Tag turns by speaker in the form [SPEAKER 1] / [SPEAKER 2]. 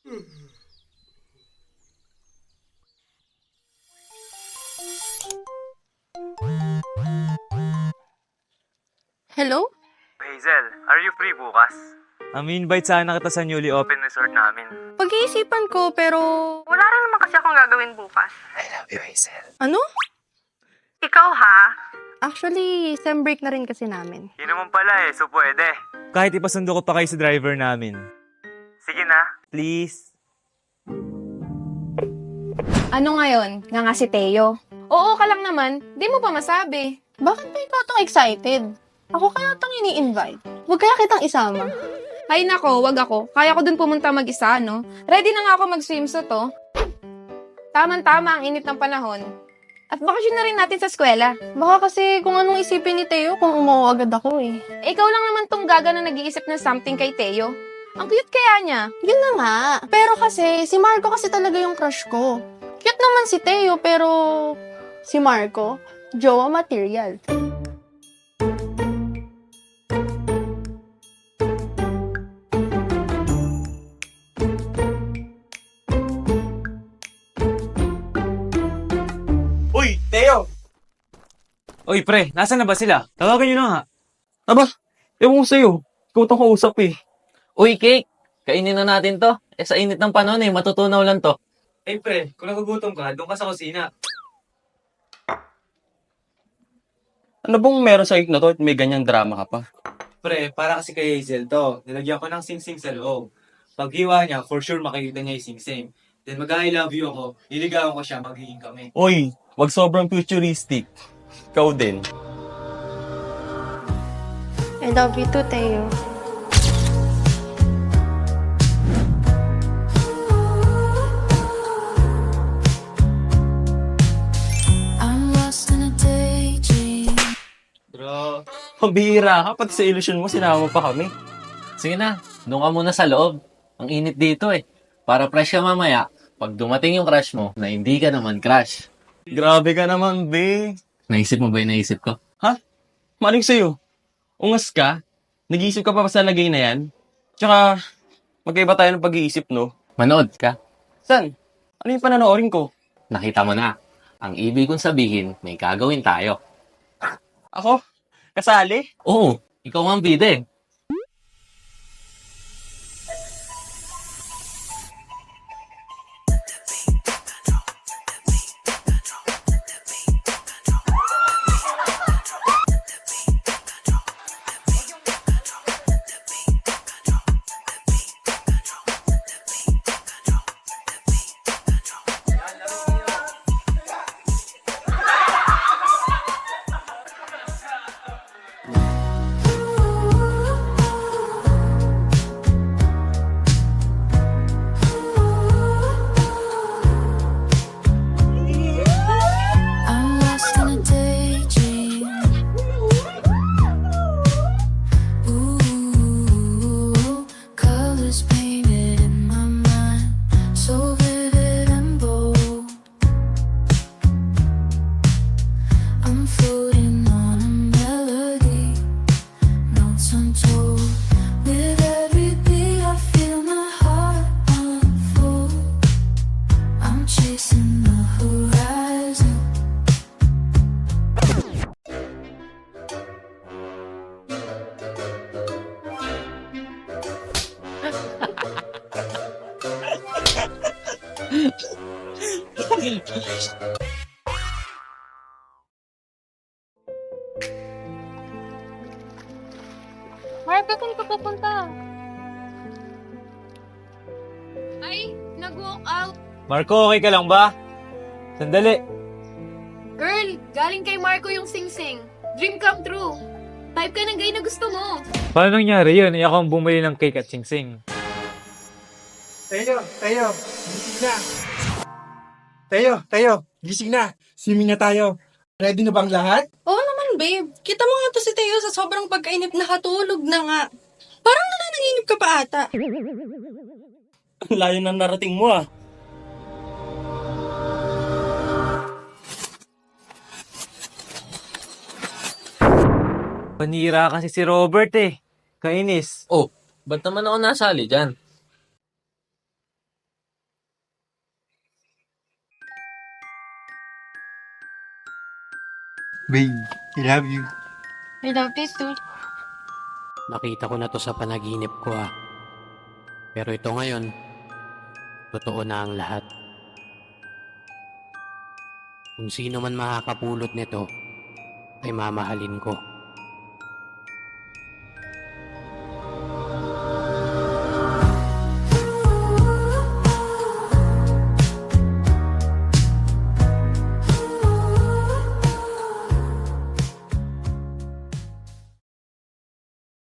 [SPEAKER 1] Hello?
[SPEAKER 2] Hazel, are you free bukas? Invite sana kita sa newly open resort namin.
[SPEAKER 1] Pag-iisipan ko pero...
[SPEAKER 3] Wala rin naman kasi akong gagawin bukas.
[SPEAKER 2] I love you, Hazel.
[SPEAKER 1] Ano?
[SPEAKER 3] Ikaw ha?
[SPEAKER 1] Actually, sem break na rin kasi namin.
[SPEAKER 2] Yun naman pala so pwede. Kahit ipasundo ko pa kayo sa driver namin. Sige na. Please.
[SPEAKER 4] Ano ngayon? Nga nga si Teo. Oo ka lang naman, di mo pa masabi.
[SPEAKER 1] Bakit ba ikaw tong excited? Ako kaya tong ini-invite. Huwag kaya kitang isama.
[SPEAKER 4] Ay nako, wag ako. Kaya ko dun pumunta mag-isa, no? Ready na nga ako mag-swimsuit, oh. Tama-tama ang init ng panahon. At bakasyon na rin natin sa eskwela.
[SPEAKER 1] Baka kasi kung anong isipin ni Teo kung umuwi agad ako eh.
[SPEAKER 4] Ikaw lang naman tong gaga na nag-iisip ng something kay Teo. Ang cute kaya niya.
[SPEAKER 1] Yun na nga. Pero kasi, si Marco kasi talaga yung crush ko. Cute naman si Teo, pero si Marco, jowa material.
[SPEAKER 2] Uy, Teo! Uy, pre, nasa na ba sila? Tawagan nyo na nga.
[SPEAKER 5] Aba, ewan ko sa'yo. Ikaw itong kausap eh.
[SPEAKER 6] Uy, Cake! Kainin na natin to. Sa init ng panahon matutunaw lang to.
[SPEAKER 2] Ay, pre, kung nagugutom ka, doon ka sa kusina.
[SPEAKER 5] Ano bang meron sa na to at may ganyang drama ka pa?
[SPEAKER 2] Pre, para kasi kay Hazel to. Nilagyan ko ng sing-sing sa loob. Pag hiwa niya, for sure makikita niya yung sing-sing. Then mag-I love you ako, liligawan ko siya, magiging kami.
[SPEAKER 5] Uy, wag sobrang futuristic. Ikaw din.
[SPEAKER 1] I love you too, Teo.
[SPEAKER 2] Bro,
[SPEAKER 5] Pambihira ka, pati sa ilusyon mo, sinama pa kami.
[SPEAKER 6] Sige na, doon ka muna sa loob. Ang init dito Para fresh ka mamaya, pag dumating yung crush mo, na hindi ka naman crush.
[SPEAKER 5] Grabe ka naman, be.
[SPEAKER 6] Naisip mo ba yung naisip ko?
[SPEAKER 5] Ha? Maling sa'yo. Ungas ka? Nag-iisip ka pa sa lagay na yan? Tsaka, magkaiba tayo ng pag-iisip, no?
[SPEAKER 6] Manood ka.
[SPEAKER 5] San? Ano yung pananoorin ko?
[SPEAKER 6] Nakita mo na. Ang ibig kong sabihin, may gagawin tayo.
[SPEAKER 5] Ako? Kasali?
[SPEAKER 6] Oo, ikaw ang bida
[SPEAKER 7] I'm lost in a daydream. Ooh, colors painted in my mind, so vivid and bold. I'm floating on a melody, notes untold. With every beat, I feel my heart unfold. I'm chasing the horizon.
[SPEAKER 4] Marco, saan ka pupunta? Ay, nag-walk out.
[SPEAKER 2] Marco, okay ka lang ba? Sandali.
[SPEAKER 4] Girl, galing kay Marco yung sing-sing. Dream come true. Type ka ng gay na gusto mo.
[SPEAKER 2] Paano nangyari yun? Ako ang bumili ng cake at sing-sing.
[SPEAKER 8] Tayo, gising na. Tayo, gising na. Swimming na tayo. Ready na bang lahat?
[SPEAKER 1] Oo naman, babe. Kita mo nga to si Teo sa sobrang pagkainip, nakatulog na nga. Parang nananaginip ka pa ata.
[SPEAKER 5] Ang layo ng narating mo, ah.
[SPEAKER 2] Panira kasi si Robert Kainis.
[SPEAKER 6] Oh, ba't naman ako nasali dyan?
[SPEAKER 8] Babe, I love you.
[SPEAKER 1] I love this too.
[SPEAKER 9] Nakita ko na to sa panaginip ko Pero ito ngayon, totoo na ang lahat. Kung sino man makakapulot nito, ay mamahalin ko.